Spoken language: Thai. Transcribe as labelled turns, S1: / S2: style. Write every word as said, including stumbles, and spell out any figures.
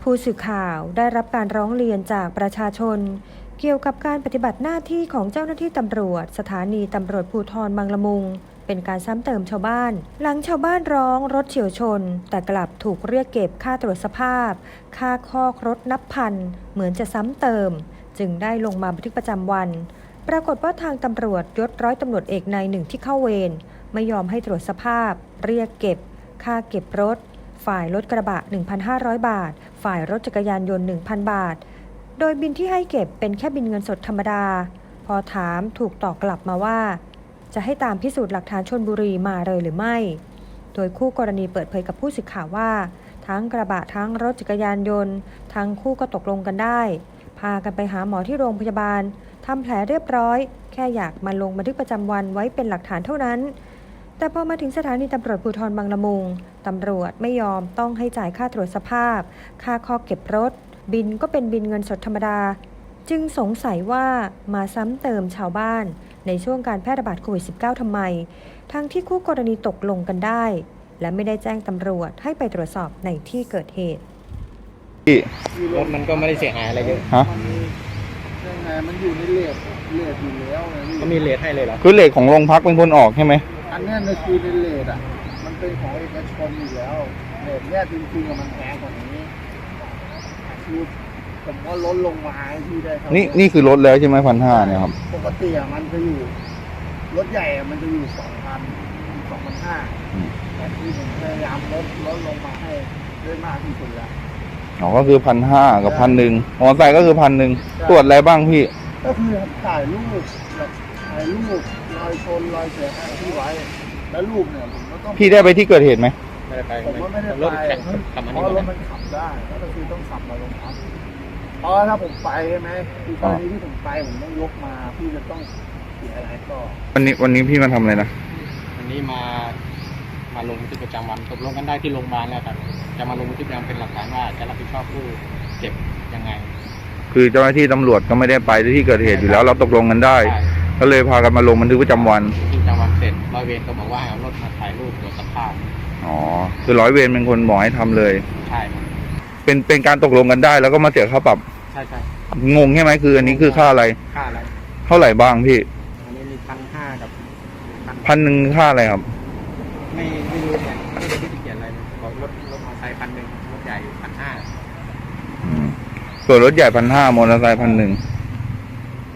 S1: ผู้สื่อข่าวได้รับการร้องเรียนจากประชาชนเกี่ยวกับการปฏิบัติหน้าที่ของเจ้าหน้าที่ตำรวจสถานีตำรวจภูธรบางละมุงเป็นการซ้ำเติมชาวบ้านหลังชาวบ้านร้องรถเฉี่ยวชนแต่กลับถูกเรียกเก็บค่าตรวจสภาพค่าคอกรถนับพันเหมือนจะซ้ำเติมจึงได้ลงมาบันทึกประจำวันปรากฏว่าทางตำรวจยศร้อยตำรวจเอกนายหนึ่งที่เข้าเวรไม่ยอมให้ตรวจสภาพเรียกเก็บค่าเก็บรถฝ่ายรถกระบะ หนึ่งพันห้าร้อย บาทฝ่ายรถจักรยานยนต์ หนึ่งพัน บาทโดยบินที่ให้เก็บเป็นแค่บินเงินสดธรรมดาพอถามถูกตอบกลับมาว่าจะให้ตามพิสูจน์หลักฐานชลบุรีมาเลยหรือไม่โดยคู่กรณีเปิดเผยกับผู้สื่อข่าวว่าทั้งกระบะทั้งรถจักรยานยนต์ทั้งคู่ก็ตกลงกันได้พากันไปหาหมอที่โรงพยาบาลทำแผลเรียบร้อยแค่อยากมาลงบันทึกประจำวันไว้เป็นหลักฐานเท่านั้นแต่พอมาถึงสถานีตำรวจภูธรบางละมุงตำรวจไม่ยอมต้องให้จ่ายค่าตรวจสภาพค่าข้อเก็บรถบินก็เป็นบินเงินสดธรรมดาจึงสงสัยว่ามาซ้ำเติมชาวบ้านในช่วงการแพร่ระบาดโควิด สิบเก้า ทำไมทั้งที่คู่กรณีตกลงกันได้และไม่ได้แจ้งตำรวจให้ไปตรวจสอบในที่เกิดเหตุ
S2: รถมันก็ไม่ได้เสียหายอะไรเยอะ
S3: ฮะ
S4: ยังไงมันอยู่ในเลทเลทอยู่แล้ว
S2: ก็มีเลทให้เลยเหรอ
S3: คือเลทของโรงพักเป็นคนออกใช่ไหม
S4: อันนี้ในคือในเลทอ่ะมันเป็นของเอกชนอยู่แล้วเลทเนี่ยจริงๆมันแพงกว่านี้คือผมก็ลดลงมาให้พี่ได้ครับ
S3: นี่นี่คือลดแล้วใช่ไหมพันห้าเนี่ยครับ
S4: ปกติอ่ะมันจะอยู่รถใหญ่มันจะอยู่สองพันสองพันห้าแต่ที่ผมพยายามลดลดลงมาให้ได้มากที่สุดแล้ว
S3: อ๋อก็คือพันห้ากับพันหนึ่งมอเตอร์ไซค์ก็คือพันหนึ่งตรวจอะไรบ้างพี่
S4: ก็คือถ่ายรูปถ่ายรูปรอยชนรอยเสียหายที่ไว้แล้วรูปเนี่ยผมก็ต้อง
S3: พี่ได้ไปที่เกิดเหตุไหม
S2: ไม่ได้ไป
S4: ผมว่าไม่ได้
S2: รถแข่ง
S4: ขับเพราะรถมันขับได้ก็คือต้องขับมาลงพักเพราะถ้าผมไปใช่ไหมคือตอนนี้ที่ผมไปผมต้องยกมาพี่จะต้องเสียอะไรก็
S3: วันนี้วันนี้พี่มาทำอะไรนะ
S2: วันนี้มามาลงบันทึกประจำวันตกลงกันได้ที่โรงพยาบาลแล้วครับจะมาลงบันทึกประจำเป็นหลักฐานว่าจะรับผิดชอบผู้เจ็บยังไง
S3: คือเจ้าหน้าที่ตำรวจก็ไม่ได้ไปที่เกิดเหตุอยู่แล้วเราตกลงกันได้ก็เลยพากันมาลงบันทึกประจำวัน
S2: ที่ประจำวันเสร็จร้อยเวรก็บอกว่าให้เอารถมาถ่ายรูปตรวจสภาพ
S3: อ๋อคือร้อยเวรเป็นคนบอกให้ทำเลย
S2: ใช่
S3: เป็นเป็นการตกลงกันได้แล้วก็มาเสียค่าปรับ
S2: ใช่ใช่
S3: งงใช่ไหมคืออันนี้คือค่าอะไร
S2: ค่าอะไร
S3: เท่าไหร่บ้างพี่
S2: อันนี้มีพันห้ากับ
S3: พันหนึ่งค่าอะไรครับ
S2: ไม่ไม่รู้เนี่ยไม่ได้ที่เขียนอะไรบอกรถรถมอเตอร์ไซค์พันหนึ่งรถใหญ่พันห้า
S3: ส่วนรถใหญ่พันห้ามอเตอร์ไซค์พันหนึ่ง